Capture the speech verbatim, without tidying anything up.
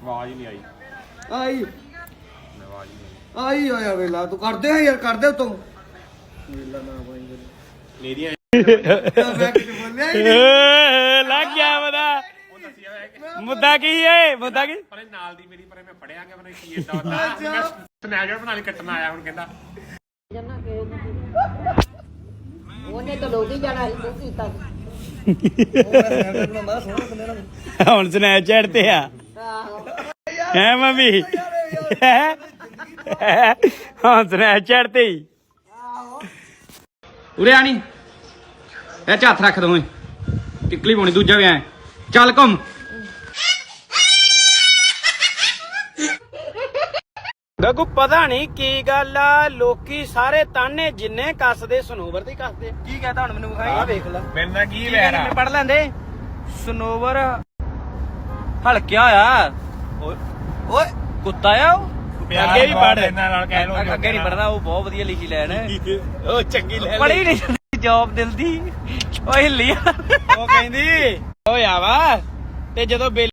ਆਵਾਜ਼ ਹੀ ਨਹੀਂ ਆਈ ਆਈ ਆਵਾਜ਼ ਹੀ ਨਹੀਂ ਆਈ ਹੋਇਆ ਵੇਲਾ ਤੂੰ ਕਰਦੇ ਆ ਯਾਰ ਕਰਦੇ ਤੂੰ ਵੇਲਾ ਨਾ ਪਾਈ ਮੇਰੀਆਂ ਮੈਂ ਕੁਝ ਬੋਲਿਆ ਹੀ ਨਹੀਂ ਲੱਗ ਗਿਆ ਪਤਾ ਉਹ ਦੱਸਿਆ ਹੋਇਆ ਕਿ ਮੁੱਦਾ ਕੀ ਏ ਮੁੱਦਾ ਕੀ ਪਰੇ ਨਾਲ ਦੀ ਮੇਰੀ ਪਰੇ ਮੈਂ ਫੜਿਆ ਗਿਆ ਮੈਨੂੰ ਕੀ ਇਦਾਂ ਹੁੰਦਾ ਸਨੈਜਰ ਬਣਾ ਲਈ ਕੱਟਣ ਆਇਆ ਹੁਣ ਕਹਿੰਦਾ ਉਹਨੇ ਤਾਂ ਲੋਕ ਹੀ ਜਾਣਾ ਸੀ ਤੂੰ ਕੀਤਾ ਹੁਣ ਸਨੈਪਚੈਟ ਤੇ ਆ ਆਹੋ ਹੈ ਮੰਮੀ ਹਾਂ ਸਨੈਪਚੈਟ ਤੇ ਹੀ ਉਰੇ ਆਣੀ ਇਹ ਚ ਹੱਥ ਰੱਖ ਦੋਵੇਂ ਟਿਕਲੀ ਪਾਉਣੀ ਦੂਜਾ ਵੀ ਐ ਚੱਲ ਘੁੰਮ ਗੱਗੂ ਪਤਾ ਨਹੀਂ ਕੀ ਗੱਲ ਆ ਲੋਕੀ ਸਾਰੇ ਤਾਨੇ ਜਿੰਨੇ ਕੱਸਦੇ ਸਨੋਵਰ ਤੇ ਕੱਸਦੇ ਕੀ ਕਹਤਾ ਹੁਣ ਮੈਨੂੰ ਵਿਖਾਈ ਆ ਵੇਖ ਲੈ ਮੇਰੇ ਨਾਲ ਕੀ ਵੈਰ ਆ ਪੜ ਲੈਂਦੇ ਸਨੋਵਰ ਹਲਕਿਆ ਹੋਇਆ ਓਏ ਕੁੱਤਾ ਆ ਉਹ ਅੱਗੇ ਵੀ ਪੜ ਇਹਨਾਂ ਨਾਲ ਕਹਿ ਲੋ ਅੱਗੇ ਨਹੀਂ ਪੜਦਾ ਉਹ ਬਹੁਤ ਵਧੀਆ ਲਿਖੀ ਲੈਣ ਉਹ ਚੰਗੀ ਲੈ ਪੜੀ ਨਹੀਂ ਜੌਬ ਦਿਲ ਦੀ ਓ ਹਿੱਲੀ ਉਹ ਕਹਿੰਦੀ ਓਏ ਆ ਵਾ ਤੇ ਜਦੋਂ